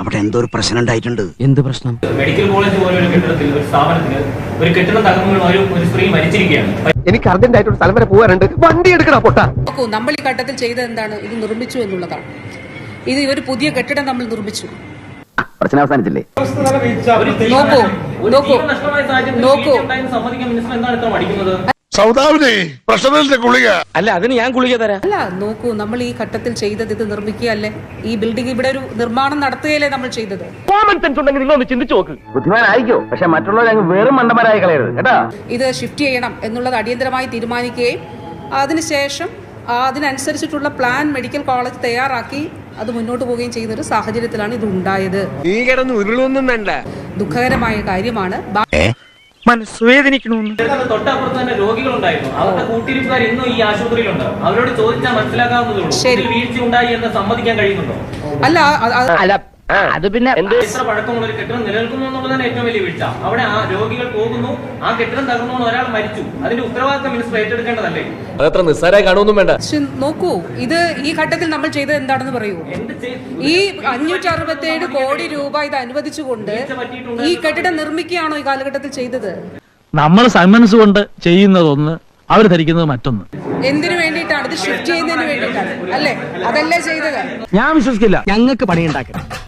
അവിടെ എന്തോ ഒരു പ്രശ്നം ഉണ്ടായിട്ടുണ്ട്. എന്ത് പ്രശ്നം? മെഡിക്കൽ കോളേജ് പോലെ ഒരു കെട്ടിടത്തിൽ, ഒരു സ്ഥാപനത്തിൽ ഒരു കെട്ടിടം തകർന്നു ഒരു സ്ത്രീ മരിച്ചിരിക്കുകയാണ്. എനിക്ക് അർജന്റ് ആയിട്ട് ഒരു സ്ഥലം വരെ പോകാറുണ്ട്, വണ്ടി എടുക്കണം പൊട്ടാ. നോക്കൂ, നമ്മൾ ഈ ഘട്ടത്തിൽ ചെയ്തത് എന്താണ്? ഇത് നിർമ്മിച്ചു എന്നുള്ളതാണ്. ഇത് ഒരു പുതിയ കെട്ടിടം നമ്മൾ നിർമ്മിച്ചു. പ്രശ്നം അവസാനിച്ചില്ലേ? സമ്മതിക്കാൻ മിനിസ്റ്റർ എന്താണ് ഇത്ര മടിക്കുന്നത്? അല്ല, അതിന് ഞാൻ ഗുളിക തരാം. അല്ല, നോക്കൂ, നമ്മൾ ഈ ഘട്ടത്തിൽ ചെയ്തത് ഇത് നിർമ്മിക്കുകയല്ലേ, ഈ ബിൽഡിംഗ് ഇവിടെ ഒരു നിർമ്മാണം നടത്തുകയല്ലേ നമ്മൾ ചെയ്തത്. കോമൺ സെൻസ് ഉണ്ടെങ്കിൽ നിങ്ങൾ ഒന്ന് ചിന്തിച്ചു നോക്ക്. ബുദ്ധിമാനായിക്കോ, പക്ഷെ മറ്റുള്ളവരെ വെറും മണ്ടന്മാരായി കളയരുത് കേട്ടാ. ഇത് ഷിഫ്റ്റ് ചെയ്യണം എന്നുള്ളത് അടിയന്തരമായി തീരുമാനിക്കുകയും അതിനുശേഷം അതിനനുസരിച്ചിട്ടുള്ള പ്ലാൻ മെഡിക്കൽ കോളേജ് തയ്യാറാക്കി അത് മുന്നോട്ട് പോവുകയും ചെയ്യുന്ന ഒരു സാഹചര്യത്തിലാണ് ഇത് ഉണ്ടായത്. ദുഃഖകരമായ കാര്യമാണ്. തൊട്ടപ്പുറത്ത് തന്നെ രോഗികളുണ്ടായിരുന്നു. അവരുടെ കൂട്ടിരിപ്പുകാർ ഇന്നും ഈ ആശുപത്രിയിലുണ്ട്. അവരോട് ചോദിച്ചാൽ മനസ്സിലാക്കാവുന്നതേ ഉള്ളൂ. വീഴ്ച ഉണ്ടായി എന്ന് സമ്മതിക്കാൻ കഴിയുന്നുണ്ടോ? അല്ല, അത് പിന്നെ ഇത്ര പഴക്കമുള്ള ഒരു കെട്ടിടം നിലനിൽക്കുന്നു എന്നുള്ളതാണ് ഏറ്റവും വലിയ വീഴ്ച. അവിടെ ആ രോഗികൾ പോകുന്നു, ആ കെട്ടിടം തകർന്നു, ഒരാൾ മരിച്ചു. അതിന്റെ ഉത്തരവാദിത്തം മിനിസ്റ്റർ ഏറ്റെടുക്കേണ്ടതല്ലേ? അതത്ര നിസ്സാരമായി കാണുമൊന്നും വേണ്ട. നോക്കൂ, ഇത് ഈ ഘട്ടത്തിൽ നമ്മൾ ചെയ്തത് എന്താണെന്ന് പറയൂ. ഈ 567 കോടി രൂപ ഇത് അനുവദിച്ചുകൊണ്ട് ഈ കെട്ടിടം നിർമ്മിക്കുകയാണോ ഈ കാലഘട്ടത്തിൽ ചെയ്തത്? നമ്മൾ സന്മനസ് കൊണ്ട് ചെയ്യുന്നതൊന്ന്, അവർ ധരിക്കുന്നത് മറ്റൊന്ന്. എന്തിനു വേണ്ടിയിട്ടാണ്? ഇത് ഷിഫ്റ്റ് ചെയ്യുന്നതിന് വേണ്ടിയിട്ടാണ് അല്ലേ? അതല്ലേ ചെയ്തത്? ഞാൻ വിശ്വസിക്കില്ല. ഞങ്ങൾക്ക് പണിയുണ്ടാക്കണം.